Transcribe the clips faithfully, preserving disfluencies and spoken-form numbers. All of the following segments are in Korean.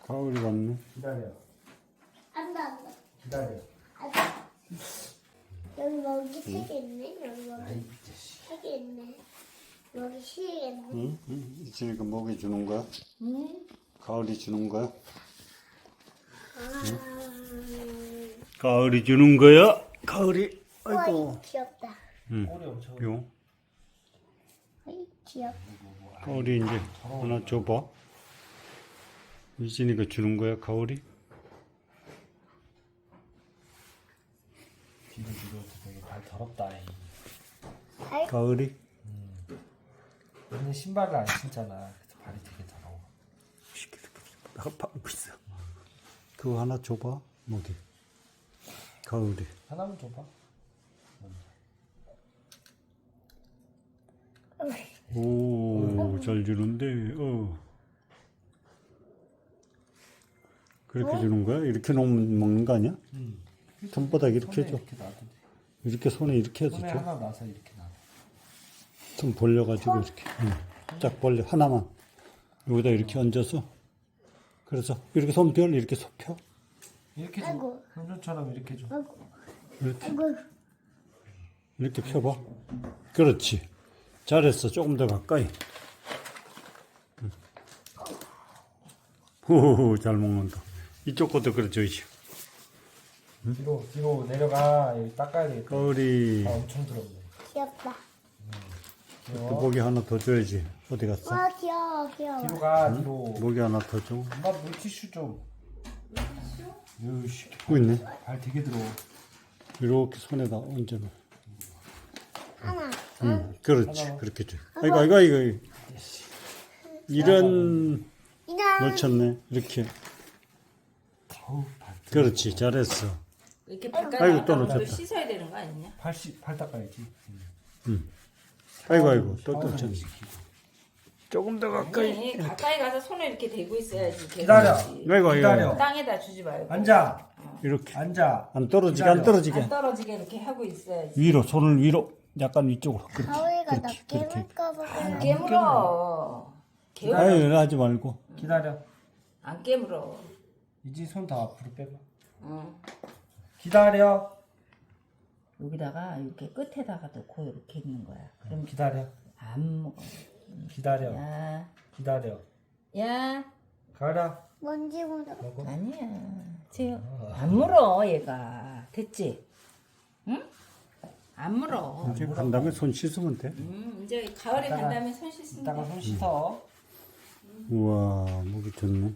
가을이 왔네. 기다려. 안돼 안돼. 기다려. 안돼. 여기 먹이 세 개 있네. 여기 아이 먹이 자식. 세 개 있네. 먹이 세 개 있네. 응? 응? 이진이가 먹이 주는 거야? 응? 가을이 주는 거야? 아. 가을이 주는 거야? 가을이. 우와 아이고. 이거 귀엽다. 응. 꼬리 엄청. 요. 어이 귀엽다. 가을이 이제 하나 줘봐. 이진이가 주는 거야, 가을이? 뒤로 뒤로 되게 발 더럽다. 이. 발? 가을이? 너는 신발을 안 신잖아. 그래서 발이 되게 더러워. 아파하고 있어. 그거 하나 줘봐, 먹이. 가을이. 하나만 줘봐. 오, 잘 주는데, 어. 그렇게 주는 거야? 이렇게 놓으면 먹는 거 아니야? 응. 손바닥 이렇게 손에 해줘. 이렇게 놔도 돼. 이렇게 손에 이렇게 해서 손에 줘. 하나 놔서 이렇게 놔. 손 벌려가지고 이렇게. 응. 쫙 벌려. 하나만. 여기다 이렇게 얹어서. 그래서 이렇게 손 별, 이렇게 손 펴. 이렇게 줘. 아이고. 현준처럼 이렇게 줘. 아이고. 이렇게. 아이고. 이렇게 펴봐. 그렇지. 잘했어. 조금 더 가까이. 응. 호호호, 잘 먹는다. 이쪽 것도 그래줘야지. 뒤로 뒤로 내려가. 여기 닦아야 되겠다. 가을이. 아 엄청 더럽네. 귀엽다. 또 귀여워. 모기 하나 더 줘야지. 어디 갔어? 와 귀여워 귀여워. 뒤로 가. 뒤로. 모기 하나 더 줘. 엄마 물티슈 좀. 으이씨. 또 있네. 발 되게 더러워. 이렇게 손에다 얹어놔. 하나. 응, 그렇지. 하나. 그렇게 줘. 아이고, 아이고, 아이고. 이런, 이나. 놓쳤네. 이렇게. 어우 발. 그렇지. 잘했어. 이렇게 아이고, 발가락 또 또 놓쳤다. 씻어야 되는 거 아니냐? 발, 씻, 발 닦아야지. 아이고, 아이고. 또 샤워도 놓쳤네. 시키고. 조금 더 가까이. 아니 가까이 가서 손을 이렇게 대고 있어야지. 기다려. 개같이. 아이고, 기다려. 아이고. 땅에다 주지 말고. 앉아. 이렇게. 앉아. 안 떨어지게, 안 기다려. 떨어지게. 안 떨어지게 이렇게 하고 있어야지. 위로, 손을 위로. 약간 위쪽으로. 그렇게. 가오이가 나 그렇게, 그렇게. 깨물까봐 안 그래. 깨물어. 개울 아유, 하지 말고. 기다려. 안 깨물어. 이제 손 더 앞으로 빼봐. 응. 기다려. 여기다가 이렇게 끝에다가 놓고 이렇게 있는 거야. 그럼 기다려. 안 먹어. 기다려. 야, 기다려. 야, 가라. 먼지 묻어. 먹어. 아니야. 지금 안 물어 얘가. 됐지? 응? 안 물어. 이제 간 다음에 손 씻으면 돼. 음, 이제 가을에 간 다음에 손 씻으면 이따가 돼. 손 씻어. 우와, 목이 좋네.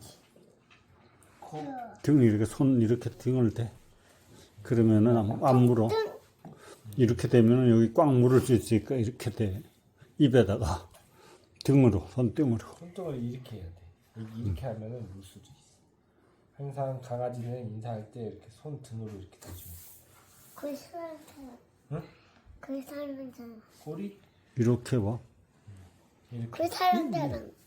등 이렇게 손 이렇게 등을 대. 그러면은 안, 안 물어. 이렇게 되면은 여기 꽉 물을 수 있으니까 이렇게 돼. 입에다가 등으로, 손등으로. 손등을 이렇게 해야 돼. 이- 이렇게 하면은 물 수도 있어. 항상 강아지는 인사할 때 이렇게 손 등으로 이렇게 대주면 그 사람처럼. 응? 그 사람처럼. 꼬리 이렇게 봐. 이렇게 그 사람처럼.